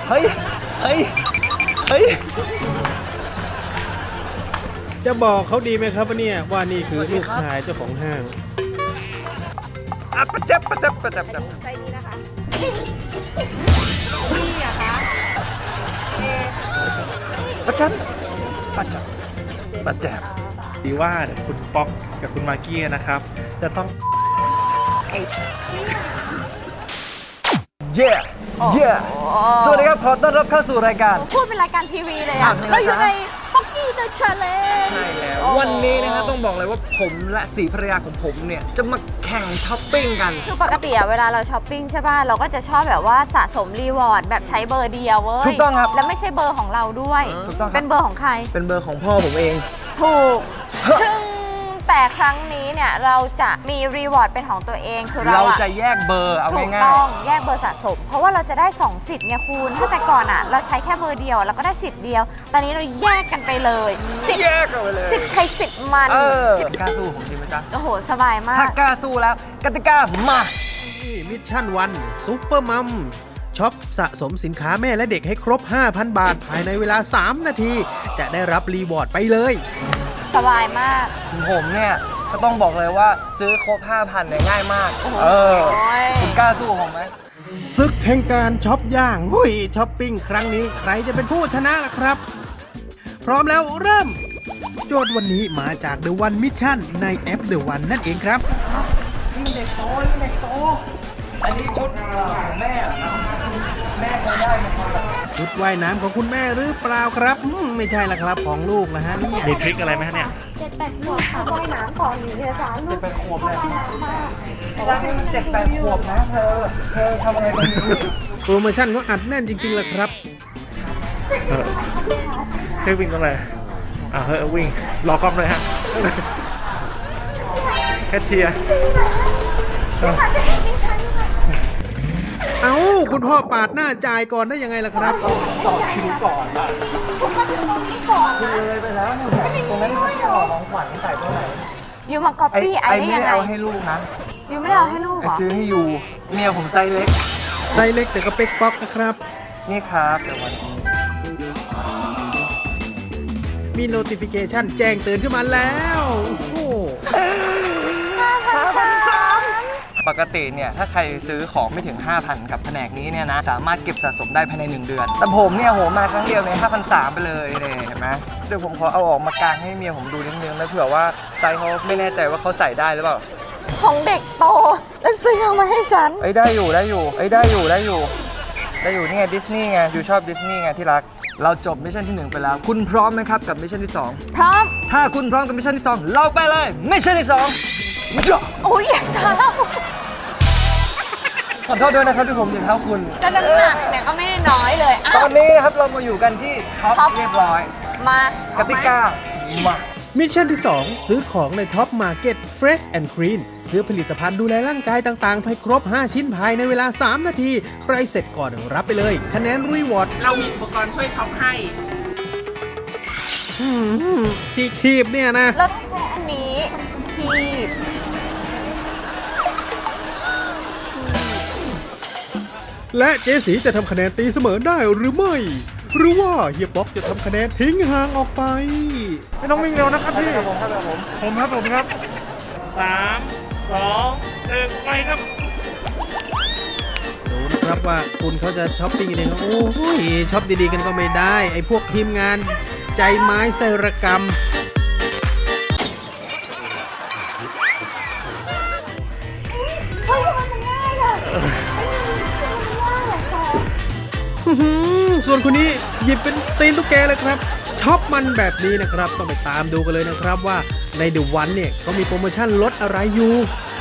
เฮ้ยเฮ้ยเฮ้ยจะบอกเขาดีไหมครับว่าเนี่ยว่านี่คือลูกชายเจ้าของห้างประจับประจับประจับไซส์นี้นะคะนี่อะคะประจับประจับประจับดีว่าเดี๋ยวคุณป๊อกกับคุณมากกี้นะครับ จะต้องเย่เย่สวัสดีครับขอต้อนรับเข้าสู่รายการพูดเป็นรายการทีวีเลยอะเราอยู่ในป๊อกกี้เดอะชาเลนจ์ใช่แล้ววันนี้นะครับต้องบอกเลยว่าผมและสีภรรยาของผมเนี่ยจะมาแข่งช้อปปิ้งกันคือปกติอะเวลาเราช้อปปิ้งใช่ป่ะเราก็จะชอบแบบว่าสะสมรีวอร์ดแบบใช้เบอร์เดียวเว้ยถูกต้องครับแล้วไม่ใช่เบอร์ของเราด้วยถูกต้องครับเป็นเบอร์ของใครเป็นเบอร์ของพ่อผมเองถูกซึ่งแต่ครั้งนี้เนี่ยเราจะมีรีวอร์ดเป็นของตัวเองคือเราจะแยกเบอร์เอาถูกง่ายต้องแยกเบอร์สะสม เพราะว่าเราจะได้2สิทธิ์ไงคุณถ้าแต่ก่อนอะเราใช้แค่เบอร์เดียวเราก็ได้สิทธิ์เดียว ตอนนี้เราแยกกันไปเลยสิทธิ์แยกกันไปเลยสิทธิ์ใครสิทธิ์มันกล้าสู้ผมจริงไหมจ๊ะโอ้โหสบายมาถ้าก กล้าสู้แล้วกติกามานี่มิชชั่นวันซุปเปอร์มัมช็อปสะสมสินค้าแม่และเด็กให้ครบ 5,000 บาท ภายในเวลา 3 นาที จะได้รับรีวอร์ดไปเลยสบายมากผมเนี่ยก็ต้องบอกเลยว่าซื้อครบ 5,000เนี่ยง่ายมาก คุณกล้าสู้ผมไหมศึกแห่งการช็อปย่างหุยช้อปปิ้งครั้งนี้ใครจะเป็นผู้ชนะล่ะครับ พร้อมแล้วเริ่ม โจทย์วันนี้มาจาก The One Mission ในแอป The One นั่นเองครับเด็กโตเด็กโตอันนี้ชุดของแม่เหรอครับแม่เคยได้ไหมครับชุดว่ายน้ำของคุณแม่หรือเปล่าครับไม่ใช่ละครับของลูกนะฮะเนี่ยมีทริคอะไรไหมฮะเนี่ย 7-8 ขวบค่ะว่ายน้ำก่อนอยู่เนี่ยจ้าลูก 7-8 ขวบเลยว่าให้มัน7-8 ขวบนะเธอทำอะไรแบบนี้โปรโมชั่นก็อัดแน่นจริงๆเลยครับเฮ้ยวิ่งตรงไหนเฮ้ยวิ่ง รอกล้องเลยฮะ แคชเชียร์เอ้าคุณพ่อปาดหน้าจ่ายก่อนได้ยังไงล่ะครับต่อคิวก่อนอะคือเลยไปแล้วเนี่ยตรงนั้นเขาของขวัญใส่เท่าไหร่ยูมาก๊อปปี้ไอ้ได้ไม่ยังได้ไงเอาให้ลูกนะยูไม่ได้เอาให้ลูกเหไอ้รอซื้อให้อยู่เมียผมไซส์เล็กไซส์เล็กแต่ก็เป๊กป๊อกนะครับนี่ครับเดี๋ยววันนี้มี notification แจ้งเตือนขึ้นมาแล้วโอ้โหปกติเนี่ยถ้าใครซื้อของไม่ถึง 5,000 กับแผนกนี้เนี่ยนะสามารถเก็บสะสมได้ภายใน1 เดือน แต่ผมเนี่ยโหมาครั้งเดียวใน 5,300 ไปเลยเนี่ยเห็นไหมเดี๋ยวผมขอเอาออกมากางให้เมียผมดูนิดนึงนะเผื่อว่าไซส์เขาไม่แน่ใจว่าเขาใส่ได้หรือเปล่าของเด็กโตแล้วซื้อเอามาให้ฉันเอ้ยได้อยู่ได้อยู่เอ้ยได้อยู่ได้อยู่ได้อยู่นี่ไงดิสนีย์ไงอยู่ชอบดิสนีย์ไงที่รักเราจบมิชชั่นที่ 1 ไปแล้ว คุณพร้อมไหมครับกับมิชชั่นที่ 2 พร้อมถ้าคุณพร้อมกับมิชชั่นที่ 2 เราไปเลยมิชชั่นที่ 2มาจ้ะโอ้ยอยากจะเล่าขอโทษด้วยนะครับที่ผมอย่างเท่าคุณแต่น้ำหนักเนี่ยก็ไม่ได้น้อยเลยอ่ะตอนนี้นะครับเรามาอยู่กันที่ท็อปเรียบร้อยมากติกามามิชชั่นที่ 2 ซื้อของในท็อปมาร์เก็ต Fresh and Clean ซื้อผลิตภัณฑ์ดูแลร่างกายต่างๆ ให้ครบ 5 ชิ้นภายในเวลา 3 นาที ใครเสร็จก่อนรับไปเลย คะแนนรีวอร์ดเรามีอุปกรณ์ช่วยช็อปให้ที่คีบเนี่ยนะแล้วต้องใช้อันนี้คีบและเจสีจะทำคะแนนตีเสมอได้หรือไม่ หรือว่าเฮียป๊อกจะทำคะแนนทิ้งห่างออกไปไม่ต้องวิ่งเร็วนะครับพี่ผมครับผมผมครับ 3 2 1 ไปครับดูนะครับว่าคุณเขาจะช้อปปิ้งยังไงโอ้ยช้อปดีๆกันก็ไม่ได้ ไอ้พวกทีมงานใจไม้ไซรกรรมส่วนคนนี้หยิบเป็นตีนตุ๊กแกเลยครับช็อปมันแบบนี้นะครับ ต้องไปตามดูกันเลยนะครับว่าในเดอะวันเนี่ยเขามีโปรโมชั่นลดอะไรอยู่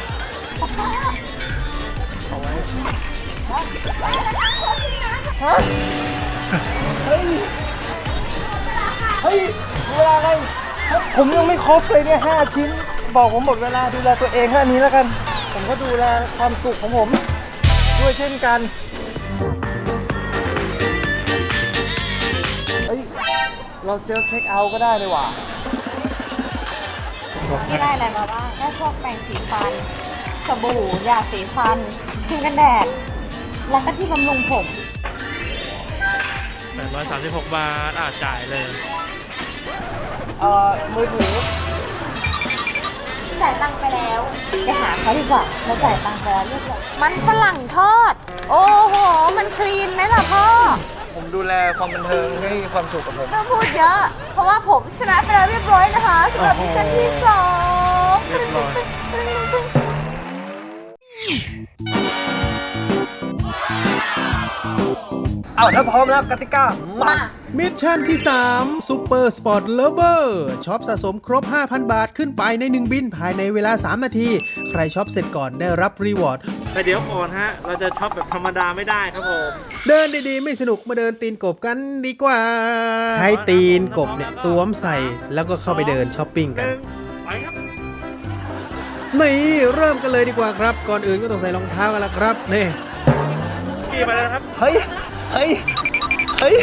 เฮ้ยเวลาอะไรผมยังไม่ครบเลยเนี่ย5 ชิ้น บอกผมหมดเวลาดูแลตัวเองแค่นี้แล้วกัน ผมก็ดูแลความสุขของผมด้วยเช่นกันเฮ้ยเราเซลฟ์เช็คเอาท์ก็ได้เลยว่ะที่ได้อะไรมาบ้างได้พวกแปรงสีฟัน สบู่ ยาสีฟันครีมกันแดด แล้วก็ที่บำรุงผม 136 บาทจ่ายเลยมือถือจ่ายตังค์ไปแล้วไปหาเขาดีกว่าเราจ่ายตังค์ไปแล้วเรียบร้อยมันฝรั่งทอด โอ้โห มันคลีนไหมล่ะพ่อผมดูแลความบันเทิงให้ความสุขกับผมต้องพูดเยอะ เพราะว่าผมชนะไปแล้วเรียบร้อยนะคะสำหรับมิชชั่นที่สองเรียบร้อยตึ้งเอาถ้าพร้อมแล้วกติกามามิชชั่นที่ 3 Super Sport Lover ช็อปสะสมครบ 5,000 บาทขึ้นไปใน 1 บินภายในเวลา 3 นาที ใครช็อปเสร็จก่อนได้รับรีวอร์ดแต่เดี๋ยวก่อนฮะ เราจะช็อปแบบธรรมดาไม่ได้ครับผมเดินดีๆ ไม่สนุกมาเดินตีนกบกันดีกว่า ใช้ตีนกบเนี่ยสวมใส่แล้วก็เข้าไปเดินช้อปปิ้งกันไปครับนี่เริ่มกันเลยดีกว่าครับ ก่อนอื่นก็ต้องใส่รองเท้ากันละครับนี่พี่ไปแล้วนะครับเฮ้ย เฮ้ย เฮ้ย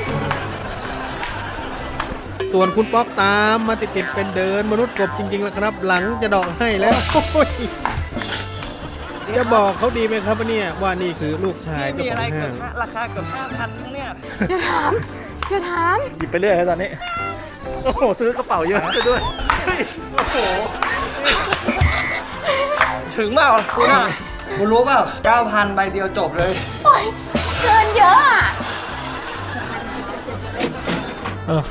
ส่วนคุณป๊อกตามมาติดๆเป็นเดินมนุษย์กบจริงๆแล้วครับ หลังจะดอกให้แล้วโอ้ยจะบอกเขาดีไหมครับว่าเนี่ยว่านี่คือลูกชายนี่เจ้ามีขอะองไรเกืห้าอบงราคาเกือบ5,000เนี่ยอย่าถามอย่าถามหยิบไปเรื่อยครับตอนนี้ โอ้โห ซื้อกระเป๋าเยอะซะด้วยเฮ้ยโอ้โหถึงเปล่าคุณอ่ะคุณรู้เปล่า 9,000 ใบเดียวจบเลยโอ๊ยเกินเยอะอ่ะโอ้โห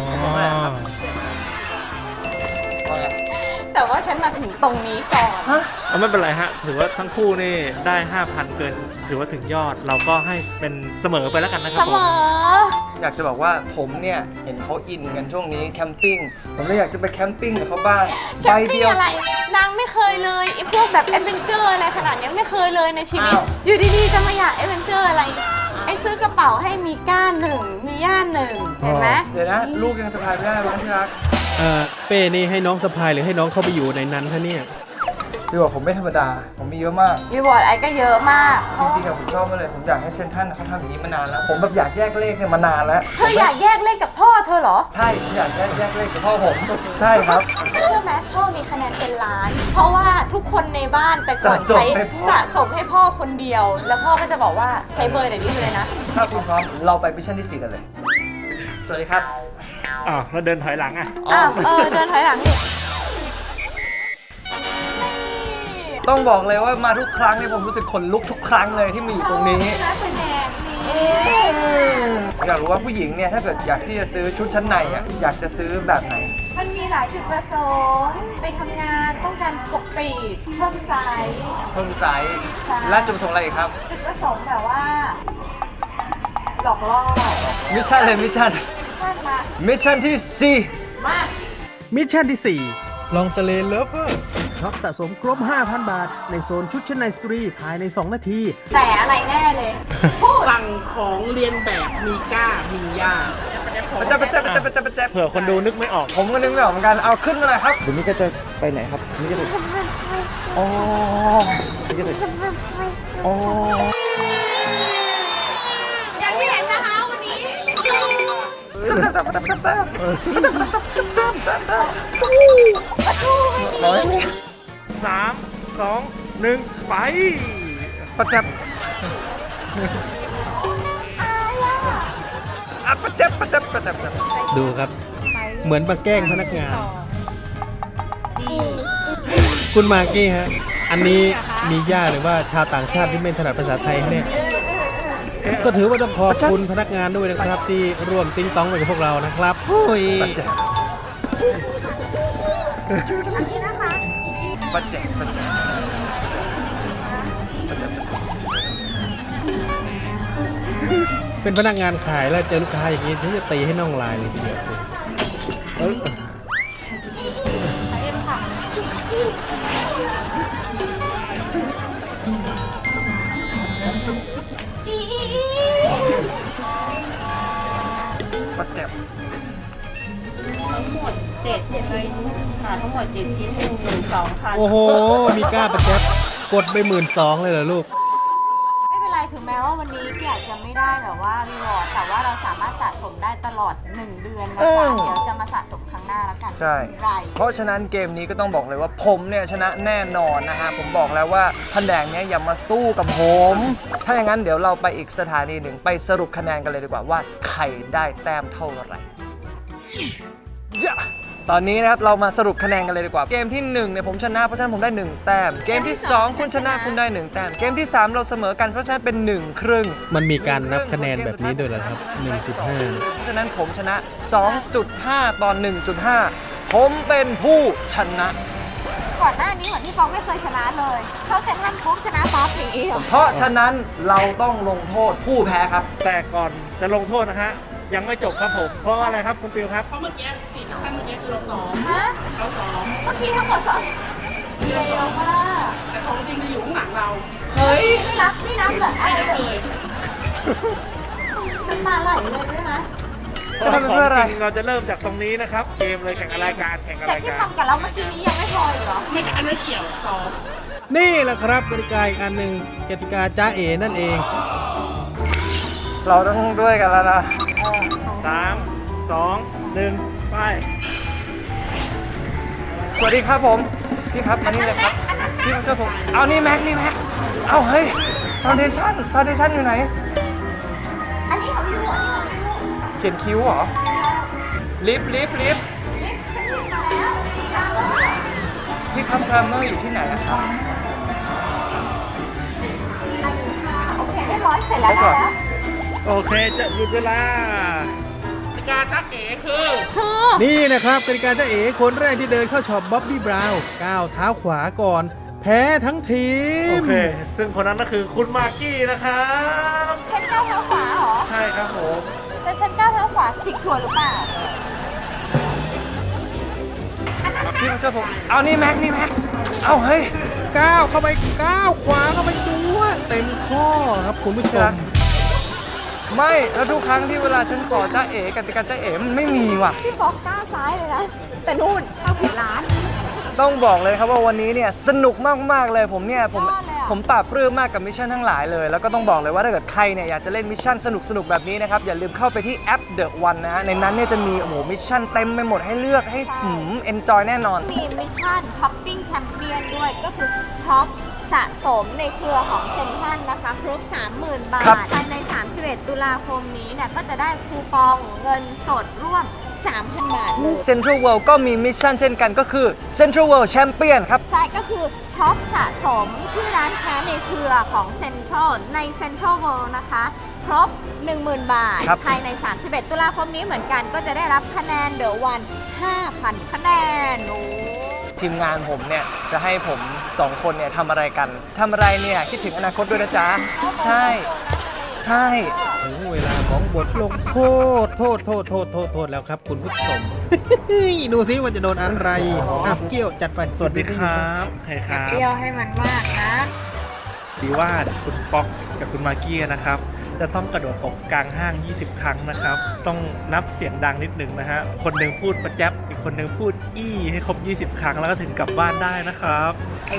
แต่ว่าฉันมาถึงตรงนี้ก่อนเอาไม่เป็นไรฮะ ถือว่าทั้งคู่นี่ได้ 5,000 เกิน ถือว่าถึงยอด เราก็ให้เป็นเสมอไปแล้วกันนะครัเสบผมออยากจะบอกว่าผมเนี่ย เห็นเขาอินกันช่วงนี้แคมปิ้ง ผมเลยอยากจะไปแคมปิ้งกับเขาบ้างแคใบมปิ้เดีงยวอะไร นางไม่เคยเลยไอ้พวกแบบแอดเวนเจอร์อะไรขนาดเนี้ยไม่เคยเลยในชีวิตอ้าวอยู่ดีๆจะมาอยากแอดเวนเจอร์อะไร ไอ้ซื้อกระเป๋าให้มีก้านหนึ่ง มีย่านหนึ่ง เห็นไหมเดี๋ยวนะ ลูกยังสะพายไม่ได้บ้างที่รักเป้นี่ให้น้องสะพายหรือให้น้องเข้าไปอยู่ในนั้นคะเนี่ยพี่บอกผมไม่ธรรมดา ผมมีเยอะมากรีวอร์ดไอ้ก็เยอะมากจริงๆอะผมชอบมากเลย ผมอยากให้เซนทรัลเขาทำอย่างนี้มานานแล้ว ผมแบบอยากแยกเลขเนี่ยมานานแล้วเธออยากแยกเลขจากพ่อเธอเหรอใช่ผมอยากแยกเลขกับพ่อผม ใช่ครับเชื่อไหมพ่อมีคะแนนเป็นล้าน เพราะว่าทุกคนในบ้านแต่ก่อนสะสมใช้ให้พ่อสะสมให้พ่อคนเดียว แล้วพ่อก็จะบอกว่าใช้เบอร์ไหนนี้เลยนะถ้าคุณพร้อมเราไปมิชชั่นที่ 4 กันเลย สวัสดีครับอ้าวแล้วเดินถอยหลังอ่ะอ้าวเดินถอยหลังดิต้องบอกเลยว่ามาทุกครั้งเนี่ยผมรู้สึกขนลุกทุกครั้งเลยที่มีอยู่ตรงนี้นักแสดงนี่อยากรู้ว่าผู้หญิงเนี่ยถ้าเกิดอยากที่จะซื้อชุดชั้นในอ่ะอยากจะซื้อแบบไหนมันมีหลายจุดประสงค์ไปทำงานต้องการปกปิดเพิ่มไซส์เพิ่มไซส์ใช่และจุดประสงค์อะไรอีกครับจุดประสงค์แบบว่า หลอกล่อมิชชั่นเลยมิชชั่นท่านมามิชชั่นที่มามิชชั่นที่ 4 ลองเจเลเลฟเวอร์ช็อปสะสมครบ 5,000 บาท ในโซนชุดชั้นในสตรีภายใน 2 นาทีแต่อะไรแน่เลย พูดสั่งของเรียนแบบมีก้า มีย่า 4ประจับเผื่อคนดูนึกไม่ออกผมก็นึกไม่ออกเหมือนกันเอาขึ้นมาเลยครับเดี๋ยวนี้ก็จะไปไหนครับนี่จะไปอ๋อนี่จะไปอ๋ออย่างที่เห็นนะคะวันนี้น้อย 3 2 1 ไปประจับประจับดูครับ เหมือนมาแกล้งพนักงาน คุณมากกี้ฮะ อันนี้มีญาติหรือว่าชาวต่างชาติที่ไม่ถนัดภาษาไทยเนี่ย ก็ถือว่าต้องขอบคุณพนักงานด้วยนะครับ ที่ร่วมติ้งต้องไปกับพวกเรานะครับโอ้ยประจับประจับเป็นพนักงานขายแล้วเจอลูกค้าอย่างนี้ที่จะตีให้น่องลายเลยทีเดียวเอ้ยประจับทั้งหมด7ชิ้นค่ะทั้งหมด7ชิ้น 12,000 โอ้โห มีกล้าประแจ๊บกดไป12,000เลยเหรอลูกไม่เป็นไรถึงแม้ว่าวันนี้พี่อาจจะไม่ได้แบบแบบว่ารีวอร์ดแต่ว่าเราสามารถสะสมได้ตลอด 1 เดือนนะคะเดี๋ยวจะมาสะสมครั้งหน้าแล้วกันใช่ไรเพราะฉะนั้นเกมนี้ก็ต้องบอกเลยว่าผมเนี่ยชนะแน่นอนนะฮะผมบอกแล้วว่าแผนกเนี้ยอย่ามาสู้กับผม ถ้าอย่างนั้นเดี๋ยวเราไปอีกสถานีหนึ่งไปสรุปคะแนนกันเลยดีกว่าว่าใครได้แต้มเท่าไหร่ตอนนี้นะครับเรามาสรุปคะแนนกันเลยดีกว่าเกมที่1เนี่ยผมชนะเพราะฉะนั้นผมได้1แต้มเกมที่2คุณชนะคุณได้1แต้มเกมที่3เราเสมอกันเพราะฉะนั้นเป็น1ครึ่งมันมีการนับคะแนนแบบนี้ด้วยเหรอครับ 1.5 เพราะฉะนั้นผมชนะ 2.5 ต่อ 1.5 ผมเป็นผู้ชนะก่อนหน้านี้เหมือนพี่ฟองไม่เคยชนะเลยเข้าเซ็นทรัลปุ๊บชนะปั๊บอย่างนี้เหรอเพราะฉะนั้นเราต้องลงโทษผู้แพ้ครับแต่ก่อนจะลงโทษนะฮะยังไม่จบครับผมเพราะอะไรครับคุณฟิวครับเพราะเมื่อกี้4มิชชั่นเมื่อกี้คือเราซ้อมฮะเราซ้อมเมื่อกี้ทั้งหมดสองเดียวมากแต่ของจริงจะอยู่ข้างหลังเราเฮ้ยไม่นับเหรออะไรไม่ได้เลเลย ยน้ำตาไหลเลยได้ไหมจะทำเป็นเพื่ออะไรขงจงเราจะเริ่มจากตรงนี้นะครับเกมเลยแข่งอะไรายการแข่งอะไรจากายที่การทำกับเราเมื่อกี้นี้ยังไม่พออีกเหรอไม่อันนั้นเกี่ยวซ้อมนี่แหละครับกติกาอีกอันหนึ่งกติกาจ้าเอนั่นเองเราต้องด้วยกันแล้วนะ 3 2 1 ไปสวัสดีครับผมพี่ครับมานี่เลยครับพี่มาช่วยผมเอานี่แม็กเอาเฮ้ยฟาวเดชั่นอยู่ไหนอันนี้ของพี่ลูกอันนี้ของพี่ลูกเขียนคิ้วเหรอลิฟต์ลิฟต์ฉันหยิบมาแล้วตามแล้วพี่ครับแกรมเมอร์อยู่ที่ไหนอะครับโอเคเรียบร้อยเสร็จแล้วได้แล้วโอเคจะหยุดเวลาการจักเอ๋คือคือนี่นะครับกติกาจ้าเอคนแรกที่เดินเข้าช็อปบ๊อบบี้บราวน์ก้าวเท้าขวาก่อน แพ้ทั้งทีโอมเค ซึ่งคนนั้นก็คือคุณมากกี้นะครับฉันก้าวเท้าขวาเหรอใช่ครับผมแต่ฉันก้าวเท้าขวาฉิกชัวร์หรือเปล่าพี่มาช่วยผมเอานี่แม็กเอาเฮ้ยก้าวเข้าไปก้าวขวาเข้าไปตัวเต็มข้อครับคุณผู้ชมไม่แล้วทุกครั้งที่เวลาฉันขอจ้าเอ๋กติกาจ้าเอ๋มันไม่มีว่ะพี่ฟอกก้าวซ้ายเลยนะ แต่นู่นเข้าผิดร้านต้องบอกเลยครับว่าวันนี้เนี่ยสนุกมากๆเลยผมเนี่ยผมยอดเลยอะผมปราบปลื้มมากกับมิชชั่นทั้งหลายเลย แล้วก็ต้องบอกเลยว่าถ้าเกิดใครเนี่ยอยากจะเล่นมิชชั่นสนุกๆแบบนี้นะครับอย่าลืมเข้าไปที่แอป The One นะฮะในนั้นเนี่ยจะมีโอ้โหมิชชั่นเต็มไปหมดให้เลือกให้เอนจอยแน่นอนมีมิชชั่นช้อปปิ้งแชมเปี้ยนด้วย ก็คือช็อปสะสมในเครือของเซ็นทรัลนะคะครบ 30,000 บาทครับภายใน 31 ตุลาคมนี้เนี่ยก็จะได้คูปองเงินสดร่วม 3,000 บาทเลยเซ็นทรัลเวิลด์ก็มีมิชชั่นเช่นกันก็คือเซ็นทรัลเวิลด์แชมเปี้ยนครับใช่ ก็คือช็อปสะสมที่ร้านค้าในเครือของเซ็นทรัลในเซ็นทรัลเวิลด์นะคะ ครบ 10,000 บาทครับภายใน 31 ตุลาคมนี้เหมือนกันก็จะได้รับคะแนนเดอะวัน 5,000 คะแนนโอ้ทีมงานผมเนี่ยจะให้ผม2คนเนี่ยทำอะไรกันทำอะไรเนี่ยคิดถึงอนาคตด้วยนะจ๊ะใช่ถึงเวลาของบทลงโทษแล้วครับคุณผู้ชม ดูซิว่าจะโดนอะไรอ่ะเกี้ยวจัดไปสวัสดีครับใครครับเที่ยวให้มันมากนะดีว่าคุณป๊อกกับคุณมากกี้นะครับ จะต้องกระโดดตกกลางห้าง 20 ครั้งนะครับ ต้องนับเสียงดังนิดหนึ่งนะฮะ คนหนึ่งพูดประแจ๊บอีกคนหนึ่งพูดอี้ให้ครบ 20 ครั้งแล้วก็ถึงกลับบ้านได้นะครับ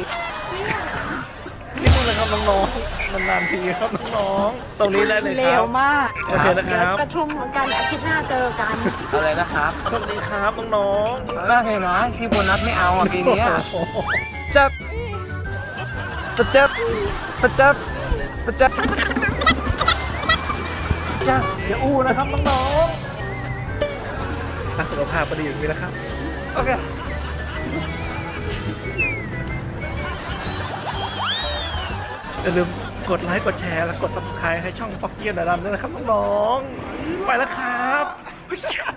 นี่นู่นเลยครับน้องๆนานๆทีครับน้องๆตรงนี้ได้เลยครับเร็วมากโอเคนะครับประชุมกันอาทิตย์หน้าเจอกันอะไรนะครับโชคดีครับน้องน่าเห็นนะที่โบนัสไม่เอาอ่ะปีนี้อะจับประจับจ้าๆอย่าอู้นะครับน้องๆรักสุขภาพก็ดีอย่างนี้นะครับโอเคอย่าลืมกดไลค์กดแชร์และกด subscribe ให้ช่องป๊อกเกี้ยนดารันด้วยนะครับน้องๆไปแล้วครับ